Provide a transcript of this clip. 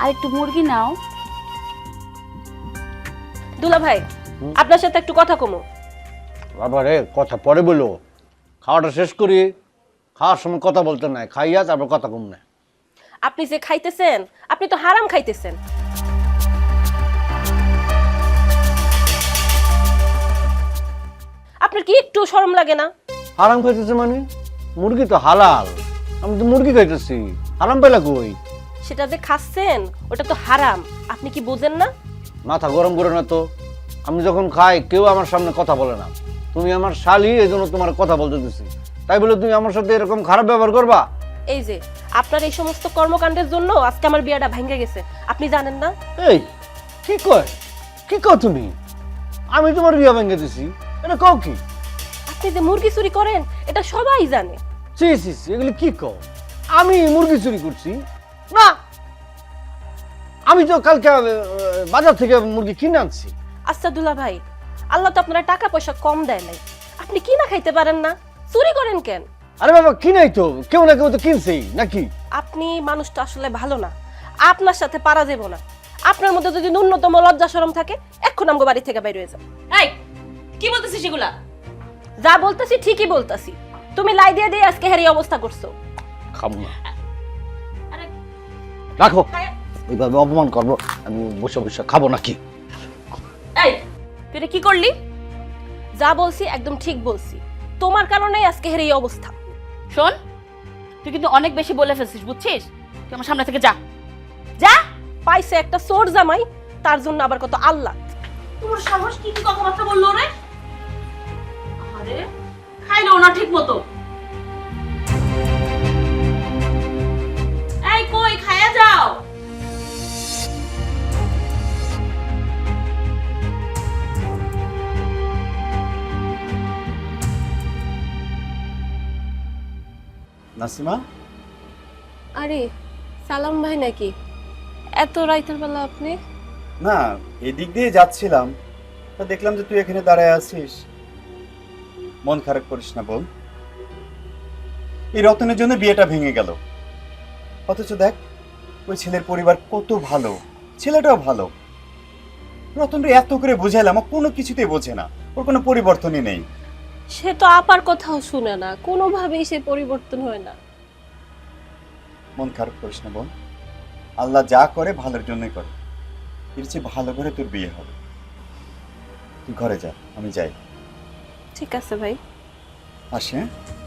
আর একটু মুরগি নাও। দুলা ভাই, আপনার সাথে একটু কথা কমো। বাবা রে, কথা পরে বলো, খাওয়াটা শেষ করি। খাওয়ার সময় কথা বলতে নাই, খাইয়া তারপর কথা কম না। আপনি যে খাইতেছেন, আপনি তো হারাম খাইতেছেন। আপনার কি একটু শরম লাগে না? হারাম খাইতেছে মানে? মুরগি তো হালাল, আমি তো মুরগি খাইতেছি, হারাম পাইলা কই? সেটা যে খাচ্ছেন ওটা তো হারাম, আপনি কি বোঝেন না? মাথা গরম করে না তো। আমি যখন খাই কেউ আমার সামনে কথা বলে না। তুমি আমার শালি, এই জন্য তোমার কথা বলতে দিচ্ছি। তাই বলে তুমি আমার সাথে এরকম খারাপ ব্যবহার করবা? এই যে আপনার এই সমস্ত কর্মকাণ্ডের জন্য আজকে আমার বিয়েটা ভেঙে গেছে, আপনি জানেন না? এই কি কয়, কি কও তুমি? আমি তোমার বিয়া ভেঙে দিছি, এটা কও কি? আপনি যে মুরগি চুরি করেন এটা সবাই জানে। সি সি সি, এগুলি কি কও? আমি মুরগি চুরি করছি না? আমি তো কালকে বাজার থেকে মুরগি কিনে আনছি। আচ্ছা দুলা ভাই, আল্লাহ তো আপনারা টাকা পয়সা কম দেয় নাই, আপনি কি না খাইতে পারেন না? চুরি করেন কেন? আরে বাবা, কিনাই তো, কেউ না কেউ তো কিনছেই নাকি? আপনি মানুষটা আসলে ভালো না, আপনার সাথে পারা যাবো না। আপনার মধ্যে যদি ন্যূনতম লজ্জা শরম থাকে এখন আমগো বাড়ি থেকে বাইরে হয়ে যাও। এই কি বলতেছিস সেগুলা? যা বলতেছি ঠিকই বলতেছি। তুমি লাই দিয়ে দিয়ে আজকে হেরি অবস্থা করছো। খাবো না, আরে রাখো। এইভাবে অপমান করবো আমি বসে বসে খাবো নাকি? এই তুই এটা কি করলি? যা বলছি একদম ঠিক বলছি, তোমার কারণেই আজকে হেরি অবস্থা। শোন, তুই কিন্তু অনেক বেশি বলে ফেলছিস, বুঝছিস? তুই আমার সামনে থেকে যা, যা। পাইছে একটা চোর জামাই, তার জন্য আবার কত আল্লাহ। তোর সাহস কি কি কথাবার্তা বললো রে? আরে খাইলো না ঠিক মতো। এই কই খায়া যাও। নাসিমা, আরে সালাম ভাই নাকি? এত রাইতের বেলা আপনি? না এদিক দিয়ে যাচ্ছিলাম, তা দেখলাম যে তুই এখানে দাঁড়ায় আছিস। মন খারাপ করিস না বোন, এই রতনের জন্য বিয়েটা ভেঙে গেল। অথচ দেখ ওই ছেলের পরিবার কত ভালো, ছেলেটাও ভালো। রতনরে এত করে বুঝাইলাম, ও কোনো কিছুতেই বোঝে না, ওর কোনো পরিবর্তনই নেই। সে তো আপার কথাও শুনে না, কোনোভাবেই সে পরিবর্তন হয় না। মন খারাপ করিস না বোন, আল্লাহ যা করে ভালোর জন্যই করে। এর চেয়ে ভালো করে তোর বিয়ে হবে। তুই ঘরে যা, আমি যাই। ঠিক আছে ভাই। আসে, হ্যাঁ?